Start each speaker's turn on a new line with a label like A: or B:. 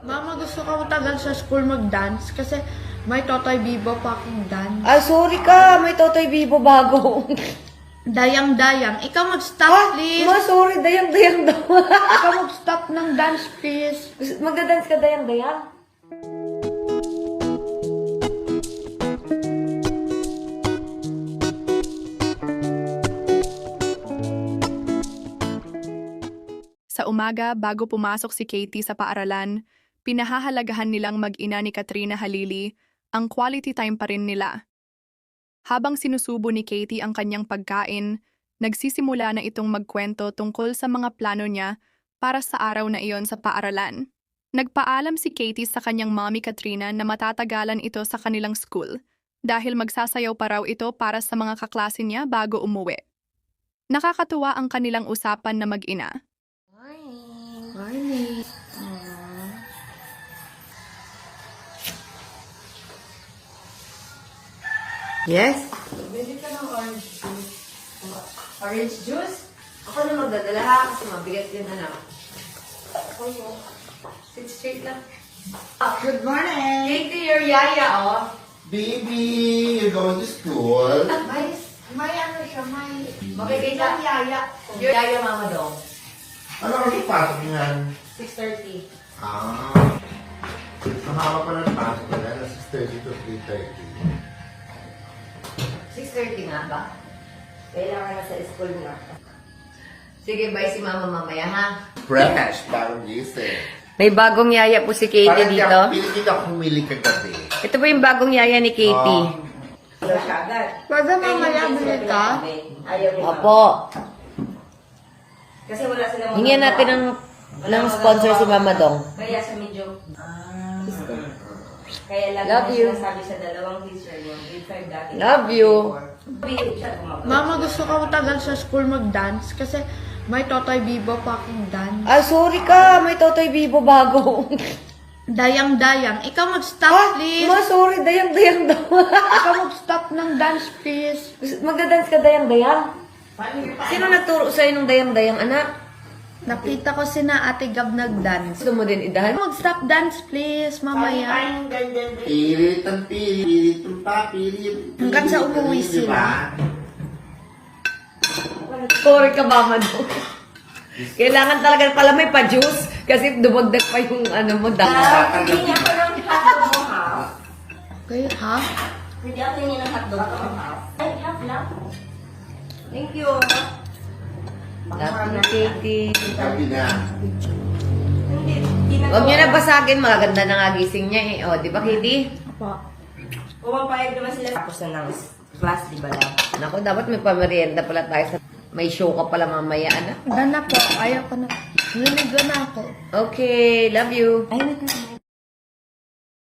A: Mama, gusto ko tagal sa school mag-dance kasi may Totoy Bibo pa akong dance.
B: Ah, sorry ka. May Totoy Bibo bago.
A: Dayang-dayang. Ikaw mag-stop, please.
B: Ma, sorry. Dayang-dayang daw.
A: Ikaw mag-stop ng dance, please.
B: Magdadance ka dayang-dayang?
C: Sa umaga, bago pumasok si Katie sa paaralan, pinahahalagahan nilang mag-ina ni Katrina Halili ang quality time pa rin nila. Habang sinusubo ni Katie ang kanyang pagkain, nagsisimula na itong magkwento tungkol sa mga plano niya para sa araw na iyon sa paaralan. Nagpaalam si Katie sa kanyang mommy Katrina na matatagalan ito sa kanilang school dahil magsasayaw pa raw ito para sa mga kaklase niya bago umuwi. Nakakatuwa ang kanilang usapan na mag-ina.
A: Morning.
B: Yes? Bili ka ng orange juice. Orange juice? Ako na magdadala ha, kasi mabigat yun, anak. Sit straight lang.
D: Good morning!
B: Katie, your yaya, oh.
D: Baby, you're going to school?
A: May ano siya, may...
B: Makikita.
A: yaya.
B: Your yaya, mama daw.
D: Ano ang ipasok niyan?
B: 6:30.
D: Ah. Mahaba pa ng pasok ko na, 6:30 to 3:30.
B: 6:30 nga ba? Kailangan na sa school na. Sige, bye si mama mamaya, ha?
D: Fresh, parang gising.
B: May bagong yaya po si Katie
D: Parang
B: dito.
D: Piligid ako humili kagabi.
B: Ito po yung bagong yaya ni Katie.
A: Pwede mamaya bili ka?
B: Opo.
E: Kasi wala silang
B: Hingyan natin ng sponsor si Mama Dong.
E: Kaya sa medyo... Kaya lagi
B: Love
E: na
B: you.
E: sinasabi sa dalawang teacher yung grade 5 dati.
B: Love you.
E: Bihip siya gumagawa.
A: Mama, gusto ko tagal sa school mag-dance kasi may Totoy Bibo pa akong dance.
B: Ah, sorry ka. May Totoy Bibo bago.
A: Dayang-dayang. Ikaw mag-stop, please.
B: Ma, sorry. Dayang-dayang daw.
A: Ikaw mag-stop ng dance, please.
B: Magdadance ka dayang-dayang? Sino nagturo sa'yo ng dayang-dayang, anak?
A: Nakita ko si na Ate Gab nag-dance.
B: Gusto mo din idahan?
A: Mag-stop dance, please, mamaya.
D: Pilit ang pilit, pilit.
A: Hanggang sa umuwi sila.
B: Sorry ka, Mama Dong. Kailangan talaga pala may pa-juice kasi dumagdag pa yung ano mo, dahil.
E: Hindi niya ako ng hotdog mo, ha?
A: Okay, ha?
E: Hindi ako hingi ng hotdog mo, ha? Ay, half lang. Thank you.
B: Love you, Katie.
D: Sabi na.
E: Hindi
B: Huwag niyo na basagin. Maganda na nga gising niya eh. O, di ba, Katie?
A: Apo.
E: Pumapayag naman sila. Tapos na ng class, di ba lang?
B: Naku, dapat may pamerienda pala tayo. May show ka pala mamaya, anak.
A: Gana po. Ayaw ko na. Niligo na ako.
B: Okay, love you.
E: Ay,